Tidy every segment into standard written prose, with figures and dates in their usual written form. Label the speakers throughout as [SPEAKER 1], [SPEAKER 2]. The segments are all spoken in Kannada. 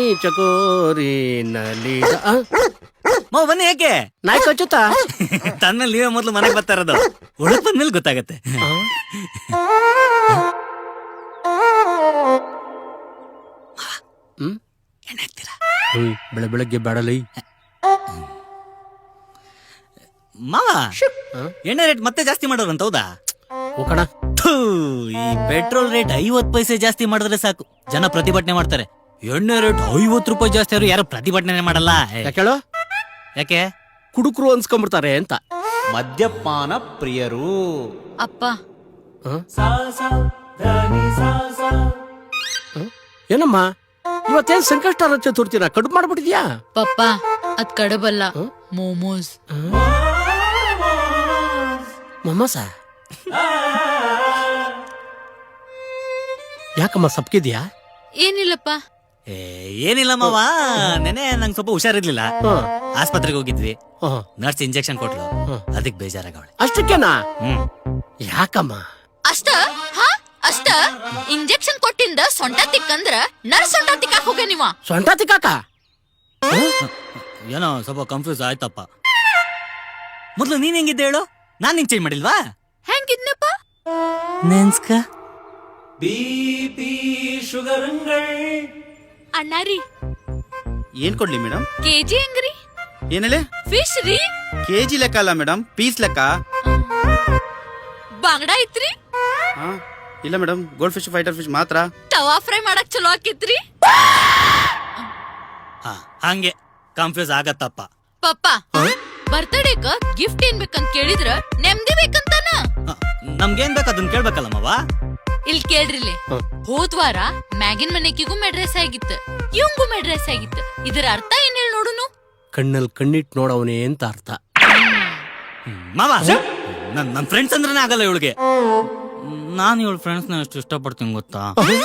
[SPEAKER 1] ಚಕೋರಿ ನಲಿ
[SPEAKER 2] ಮಾವ ಬನ್ನಿ. ಯಾಕೆ
[SPEAKER 1] ನಾಯಿ ಕಚ್ಚುತ್ತಾ?
[SPEAKER 2] ತನ್ಮೇಲೆ ನೀವೇ ಮೊದ್ಲು ಮನೆಗೆ ಬರ್ತಾ ಇರೋದು. ಒಳಗ್ ಬಂದ್ಮೇಲೆ ಗೊತ್ತಾಗತ್ತೆ. ಎಣ್ಣೆ ಹಾಕ್ತೀರಾ?
[SPEAKER 1] ಬೆಳಗ್ಗೆ ಬೇಡಲೈ
[SPEAKER 2] ಮಾವ. ಎಣ್ಣೆ ರೇಟ್ ಮತ್ತೆ ಜಾಸ್ತಿ ಮಾಡೋರಂತ ಹೌದಾ?
[SPEAKER 1] ಕಣ.
[SPEAKER 2] ಈ ಪೆಟ್ರೋಲ್ ರೇಟ್ 50 ಪೈಸೆ ಜಾಸ್ತಿ ಮಾಡಿದ್ರೆ ಸಾಕು, ಜನ ಪ್ರತಿಭಟನೆ ಮಾಡ್ತಾರೆ. ಎಣ್ಣೆ ರೇಟ್ 50 ರೂಪಾಯಿ ಜಾಸ್ತಿ ಆದ್ರೂ ಯಾರು ಪ್ರತಿಭಟನೆ ಮಾಡಲ್ಲ.
[SPEAKER 1] ಯಾಕೇಳು?
[SPEAKER 2] ಯಾಕೆ?
[SPEAKER 1] ಕುಡುಕರು ಅನ್ಸ್ಕೊಂಡ್ಬಿಡ್ತಾರೆ ಅಂತ.
[SPEAKER 3] ಮದ್ಯಪಾನ ಪ್ರಿಯರು.
[SPEAKER 4] ಅಪ್ಪ
[SPEAKER 1] ಏನಮ್ಮ ಇವತ್ತೇನ್ ಸಂಕಷ್ಟ ಚತುರ್ಥಿನ ಕಡುಬು ಮಾಡ್ಬಿಟ್ಟಿದ್ಯಾ?
[SPEAKER 4] ಪಪ್ಪ ಅದ್ ಕಡಬಲ್ಲ, ಮೋಮೋಸ್.
[SPEAKER 1] ಮೊಮ್ಮಸ ಯಾಕಮ್ಮ ಸಪ್ಕಿದ್ಯಾ?
[SPEAKER 4] ಏನಿಲ್ಲಪ್ಪ.
[SPEAKER 2] ಏನಿಲ್ಲ ಮಾವ, ನೆನೆ ನಂಗೆ ಸ್ವಲ್ಪ ಹುಷಾರಿರ್ಲಿಲ್ಲ, ಆಸ್ಪತ್ರೆಗೆ ಹೋಗಿದ್ವಿ. ನರ್ಸ್ ಇಂಜೆಕ್ಷನ್ ಕೊಟ್ಲು, ಅದಕ್ಕೆ ಬೇಜಾರಾಗವಳೆ.
[SPEAKER 1] ಅಷ್ಟಕ್ಕೇನಾ? ಯಾಕಮ್ಮ?
[SPEAKER 4] ಅಷ್ಟ ಅಷ್ಟ ಇಂಜೆಕ್ಷನ್ ಕೊಟ್ಟಿಂದ ಸೊಂಟ ತಿಕ್ಕಂದ್ರ ನರ್ಸ್ ಸೊಂಟ ತಿಕ್ಕಾಕ್ ಹೋಗ ನೀವ.
[SPEAKER 1] ಸೊಂಟ ತಿಕ್ಕಾಕ?
[SPEAKER 2] ಏನೋ ಸ್ವಲ್ಪ ಕನ್ಫ್ಯೂಸ್ ಆಯ್ತಪ್ಪ. ಮೊದ್ಲು ನೀನ್ ಹೆಂಗಿದ್ದೆ ಹೇಳು, ನಾನ್ ನಿಂಗ್ ಚೇಂಜ್ ಮಾಡಿಲ್ವಾ?
[SPEAKER 4] ಹೆಂಗಿದ್ನಪ್ಪ?
[SPEAKER 2] ನೆನ್ಸ್ಕ
[SPEAKER 3] ಬಿಪಿ ಶುಗರ್ಗಳು.
[SPEAKER 4] ಅಣ್ಣಾರಿ
[SPEAKER 3] ಏನ್ ಕೊಡ್ಲಿ ಮೇಡಮ್?
[SPEAKER 4] ಕೆಜಿ ಹೆಂಗ್ರಿ?
[SPEAKER 3] ಏನ್ ಹೇಳಿ?
[SPEAKER 4] ಫಿಶ್ ರೀ.
[SPEAKER 3] ಕೆಜಿ ಲೆಕ್ಕ ಅಲ್ಲ ಮೇಡಮ್, ಪೀಸ್ ಲೆಕ್ಕ.
[SPEAKER 4] ಬಾಂಗಡ ಐತ್ರಿ?
[SPEAKER 3] ಇಲ್ಲ madam, gold fish, fighter fish ಮಾತ್ರ.
[SPEAKER 4] ತವಾ ಫ್ರೈ ಮಾಡಕ್ ಚಲೋ ಆಕಿತ್ರಿ.
[SPEAKER 2] ಹಂಗೆ ಕನ್ಫ್ಯೂಸ್ ಆಗತ್ತಪ್ಪ.
[SPEAKER 4] ಪಪ್ಪ ಬರ್ತಡೇಕ ಗಿಫ್ಟ್ ಏನ್ ಬೇಕಂತ ಕೇಳಿದ್ರ ನೆಮ್ಮದಿ ಬೇಕಂತಾನ.
[SPEAKER 2] ನಮ್ಗೇನ್ ಬೇಕು ಅದನ್ನ ಕೇಳ್ಬೇಕಲ್ಲ ಮಾವ.
[SPEAKER 4] ಇಲ್ ಕೇಳ್ರಿಲೆ, ಹೋದ್ವಾರ ಮ್ಯಾಗಿನ್ ಮನೆಕಿಗೂ ಮೆಡ್ರೆಸ್ ಆಗಿತ್ತು, ಇವಂಗೂ ಮೆಡ್ರೆಸ್ ಆಗಿತ್ತು. ಇದರ ಅರ್ಥ ಏನ್ ಹೇಳಿ ನೋಡುನು?
[SPEAKER 1] ಕಣ್ಣಲ್ಲಿ ಕಣ್ಣಿಟ್ ನೋಡವನೇ ಅಂತ ಅರ್ಥ.
[SPEAKER 2] ಮಾವ, ನನ್ ಫ್ರೆಂಡ್ಸ್ ಅಂದ್ರೇನೆ ಆಗಲ್ಲ ಇವಳಿಗೆ. ನಾನು ಇವಳ ಫ್ರೆಂಡ್ಸ್ ನ ಎಷ್ಟು ಇಷ್ಟಪಡ್ತೀನಿ ಗೊತ್ತಾ?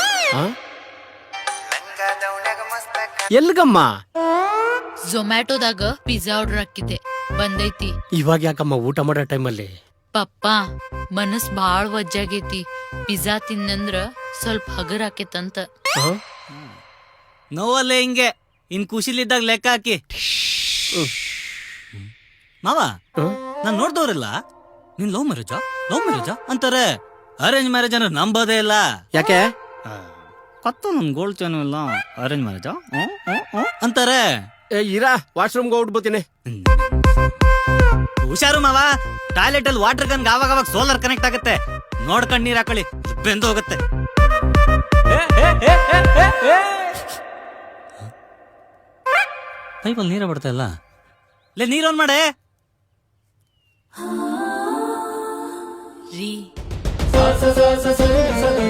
[SPEAKER 1] ಎಲ್ಗಮ್ಮ?
[SPEAKER 4] ಝೊಮ್ಯಾಟೋದಾಗ ಪಿಜ್ಜಾ ಆರ್ಡರ್ ಹಾಕಿದ್ದೆ, ಬಂದೈತಿ.
[SPEAKER 1] ಇವಾಗ ಯಾಕಮ್ಮ ಊಟ ಮಾಡೋ ಟೈಮಲ್ಲಿ?
[SPEAKER 4] ಪಪ್ಪ ಮನಸ್ ಬಾಳ್ ವಜ್ಜಾಗೈತಿ, ಪಿಜ್ಜಾ ತಿನ್ನಂದ್ರ ಸ್ವಲ್ಪ ಹಗರ್ ಆಕೇತಂತ.
[SPEAKER 2] ನೋವಲ್ಲೇ ಹಿಂಗೆ, ಇನ್ ಖುಷಿಲಿದ್ದಾಗ ಲೆಕ್ಕ ಹಾಕಿ. ಮಾವ, ನಾನ್ ನೋಡ್ದವ್ರಲ್ಲ ನೀನ್ ಲವ್ ಮ್ಯಾರೇಜಾ ಅಂತಾರೆ. ಅರೇಂಜ್ ಮ್ಯಾರೇಜ್ ಅಂದ್ರೆ ನಂಬೋದೇ ಇಲ್ಲ.
[SPEAKER 1] ಯಾಕೆ?
[SPEAKER 2] ಕತ್ತು ನನ್ ಗೋಲ್ಡ್ ಚೇನು ಇಲ್ಲ, ಅರೇಂಜ್ ಮ್ಯಾರೇಜಾ ಅಂತಾರೆ.
[SPEAKER 1] ಇರಾ, ವಾಶ್ರೂಮ್ಗೆ ಹೋಗ್ಬಿಡ್ತೀನಿ.
[SPEAKER 2] ಹುಷಾರು ಮಾವ, ಟಾಯ್ಲೆಟ್ ಅಲ್ಲಿ ವಾಟರ್ ಗನ್ ಆವಾಗ ಸೋಲಾರ್ ಕನೆಕ್ಟ್ ಆಗುತ್ತೆ, ನೋಡ್ಕೊಂಡ್ ನೀರ್ ಹಾಕೊಳ್ಳಿ, ಬೆಂದು ಹೋಗುತ್ತೆ. ಪೈಪಲ್ಲಿ ನೀರ ಬಿಡ್ತಾ ಇಲ್ಲ, ನೀರ್ ಆನ್ ಮಾಡೆ.
[SPEAKER 4] ರೀ